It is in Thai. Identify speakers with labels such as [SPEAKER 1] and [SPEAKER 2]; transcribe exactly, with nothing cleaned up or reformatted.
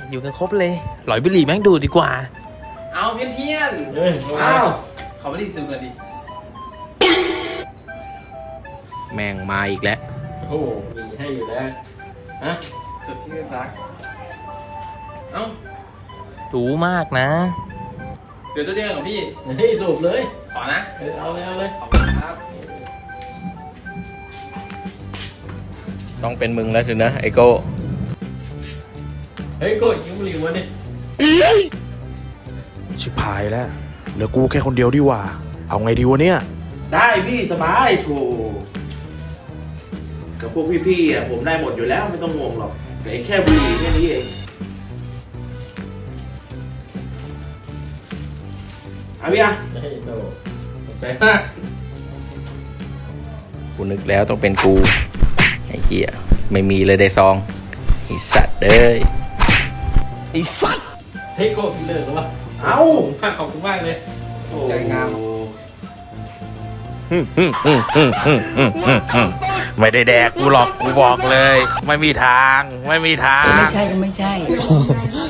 [SPEAKER 1] อยู่กันครบเลยหลอยบุหรี่แม่งดูดีกว่าเอาเพี้ยนเพี้ยนเอาเขาไม่ได้ซื้อกันดิแม่งมาอีกแล้ว
[SPEAKER 2] โอ้มีให้อยู่แล้วฮะ
[SPEAKER 1] สุดที่รักเอ้ารู้มากนะเดี๋ยวตัวเดียวกับพี่
[SPEAKER 2] เฮ้ยสูบเลย
[SPEAKER 1] ขอนะ
[SPEAKER 2] เอาเลยเอาเลย
[SPEAKER 1] ขอบคุณครับต้องเป็นมึงแล้วสินะไอโก้
[SPEAKER 2] เฮ้ยโก้ยิ้มหลิวมาดิ
[SPEAKER 3] ชิบหายแล้วเหลือกูแค่คนเดียวดีกว่าเอาไงดีวะเนี่ย
[SPEAKER 4] ได้พี่สบายโถกับพวกพี่ๆอ่ะผมได้หมดอยู่แล้วไม่ต้องงงหรอกแต่แค่บุหรี่แค่นี้เองเอาพี่อ่ะ
[SPEAKER 2] เฮ้ยโตใจมาก
[SPEAKER 1] กูนึกแล้วต้องเป็นกูไอ้เหี้ยไม่มีเลยได้ซองไอ้สัตว์เอ้ยไอ้สัตว์
[SPEAKER 2] เฮ้ยโก้พี่เลิกหรือวะ
[SPEAKER 4] เอ้า
[SPEAKER 2] ขอบคุณมากเลย
[SPEAKER 4] ใจงาม
[SPEAKER 1] ไม่ได้แดกกูหรอกกูบอกเลยไม่มีทางไม่มีทาง
[SPEAKER 5] ไม่ใช่ก็ไม่ใช่